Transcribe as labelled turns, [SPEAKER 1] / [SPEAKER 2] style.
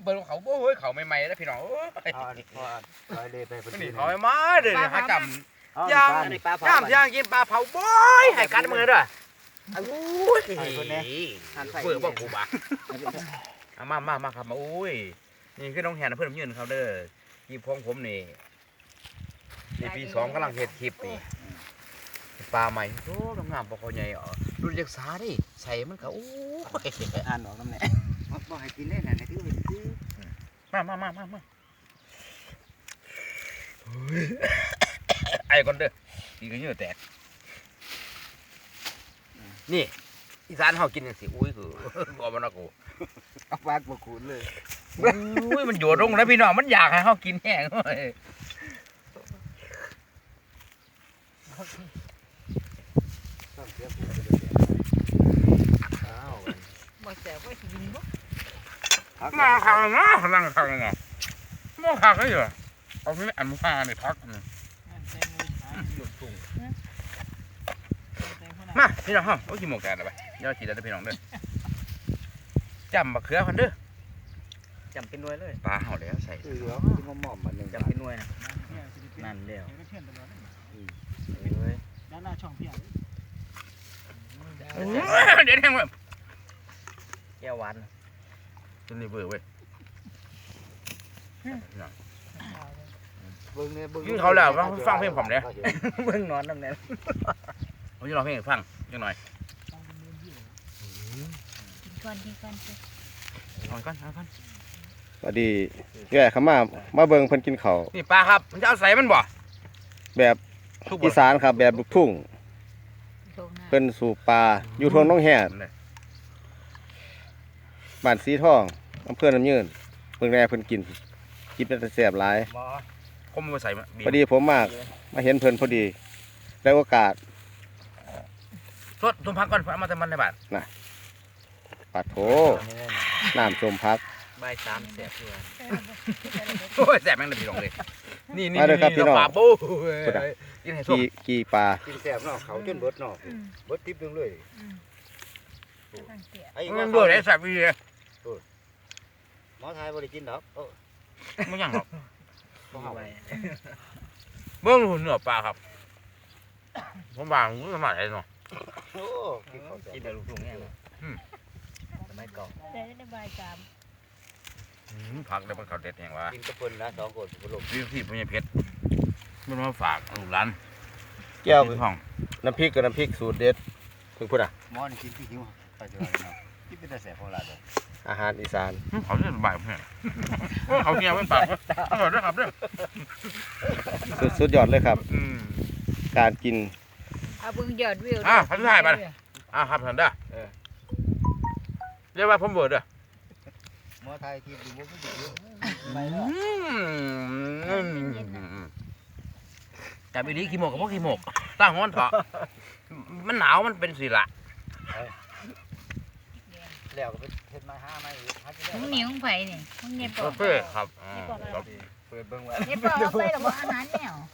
[SPEAKER 1] เบิ่งเขาโอ้ยเขาใหม่ๆแล้วพี่น้องโอ้ย
[SPEAKER 2] ลอยเลยไปพอดี
[SPEAKER 1] นี่เขาใหม่ๆเด้อหาจำย่างย่างกินปลาเผาบ่อยให้กัดมือด้วยโอ้ยเบื่อบ่กูบ่มาครับมาโอ้ยนี่คือน้องแหนเพิ่นยืนเขาเด้อที่พงผมนี่ปี2กำลังเฮ็ดคลิปนี่ปลาใหม่โอ้งามๆบ่ค่อยใหญ่รุ่นจักษาดิใส่มันก็โอ้ย
[SPEAKER 2] อ่านออกน้ำแหน่บ่ให้กินเล่นน่ะในที่อื่นซื้อ
[SPEAKER 1] มาไอ้ก่อนเด้ออีกก็เหงื่อแตกนี่อีสานเฮากินจังซี่อุ้ยคือบ่มันนะกู
[SPEAKER 2] เอาปากบ่คูนเลย
[SPEAKER 1] อุ้ยมันโยดลงแล้วพี่น้องมันอยากให้เฮากินแห้งเว้ย
[SPEAKER 3] บ่แซ่บบ่สิกินบ่
[SPEAKER 1] มาข้างนะนั่งข้างนะบ่ข้างเลยเหรอเอานี่อันมานี่พักมาพี่น้องเฮาโอ้ยกินหมกแกนเอาไปเดี๋ยวกินได้พี่น้องเด้อจำบักเขือพันเด้อ
[SPEAKER 3] จำเป็นหน่วยเลย
[SPEAKER 1] ปลาเฮาแล้วใส่
[SPEAKER 2] เหลือที่หม่อมมันนึง
[SPEAKER 3] จำเป็นหน่วยนะนั่นแล้วเอ้ย
[SPEAKER 4] ด้านหน้าช่องเพียง
[SPEAKER 1] เดี๋ยวแห้งเว้ย
[SPEAKER 3] แก้วหวาน
[SPEAKER 1] ตัวนี้เบื่อเว้ย
[SPEAKER 2] เบิ่งเนี่ยเบิ่ง
[SPEAKER 1] ยิ่งเขาแล้วฟังเพลงผมเนี่ย
[SPEAKER 3] เบิ่งนอนน้ำแน่
[SPEAKER 1] ผมจะร้องเพลงให้ฟังจังหน่อย
[SPEAKER 3] กินก่อน
[SPEAKER 1] เอาก่อน
[SPEAKER 5] สวัสดีแก่เขามาเบิ่งเพิ่นกินข้าว
[SPEAKER 1] นี่ปลาครับมันจะเอาใส่มันบ่
[SPEAKER 5] แบบ
[SPEAKER 1] ทุก
[SPEAKER 5] อีสานครับแบบลูกทุ่งเพิ่นสู่ปลาอยู่ทงน้องแห่บ้านสีทองอำเภอน้ำยืนเพิ่นแน่เพิ่นกินเป็นแต่แซ่บหลาย
[SPEAKER 1] บ่ผมมาใส่มา
[SPEAKER 5] พอดีผมมาเห็นเพิ่นพอดีได้โอกาส
[SPEAKER 1] สดต้มผักก่อนเอามาแต่มันในบ้าน
[SPEAKER 5] ปัดโถน้ำส้มพัก
[SPEAKER 3] ใบาย3แซ่บด้วย
[SPEAKER 1] โอ้ยแซ่บแม่งเลยพี่น้องเลยนี่
[SPEAKER 5] มาเลยครับพี่น้อง
[SPEAKER 1] ปลาบูกินให้ส้ม
[SPEAKER 5] กี่ปลา
[SPEAKER 2] กินแซ่บเนาะเขาจนเบิดเนาะเบิดติ๊บนึงเลยไอ้
[SPEAKER 1] มันเบื่อได้แซ่บอีเลย
[SPEAKER 2] หมอไทยบ่ได้กินดอก
[SPEAKER 1] ไม่ยังหรอก
[SPEAKER 2] บ่เฮา
[SPEAKER 1] เบิ่งหุ่นเนื้อปลาครับผมวางมือสมัยเนาะ
[SPEAKER 2] โอ้กินข้าวแซ่
[SPEAKER 3] กิน
[SPEAKER 2] บ
[SPEAKER 3] แต่ลูกทุ่งแห้งเนาะสมัยก่อน
[SPEAKER 6] ได้ใบกาม
[SPEAKER 1] ผักได้เป็นข้าวเด็ดแห่งว่า
[SPEAKER 2] กินกับเพิ่นนะ2คนบ่ลง
[SPEAKER 1] ที่พญเพชรมันมาฝากลูกหลาน
[SPEAKER 5] แก้ว
[SPEAKER 1] ห้อง
[SPEAKER 5] น้ำพริกกับน้ำพริกสูตรเด็ดเพิ่นพูดอ่ะ
[SPEAKER 2] หมอนี่กินที่หิวไปเจอเนาะกินเป็นแต่แซ่บของหลานเด้อ
[SPEAKER 5] อาหารอีสาน
[SPEAKER 1] เขาเนี่ยบ่ายเพื่อนเขาเนี่ยไม่ปากอร่อยด้วยครับเนี่ย
[SPEAKER 5] สุดยอดเลยครับ การกิน
[SPEAKER 6] เอาเบิ่งยอดวิว
[SPEAKER 1] พันธุ์ไทยไปครับท่านเด้อเรียกว่าผมเบิร์ดเด้อ
[SPEAKER 2] หมอไทยกินอยู่บ่มีเยอะไปแล้ว
[SPEAKER 1] แต่ปีนี้ขี้หมกกับพวกขี้หมกตั้งห้อนเถาะมันหนาวมันเป็นสิละ
[SPEAKER 2] แล้วก็ไปเฮ็ดไม้5ไม้อีกหากินได้
[SPEAKER 6] มึงนี่มึงไผนี่มึงเนี่ยปอก
[SPEAKER 1] เฟ่ครับ
[SPEAKER 2] เปิดเบิ่งว่า
[SPEAKER 6] เนี่ยปอกเอาไปแล้วบ่อาหารแนว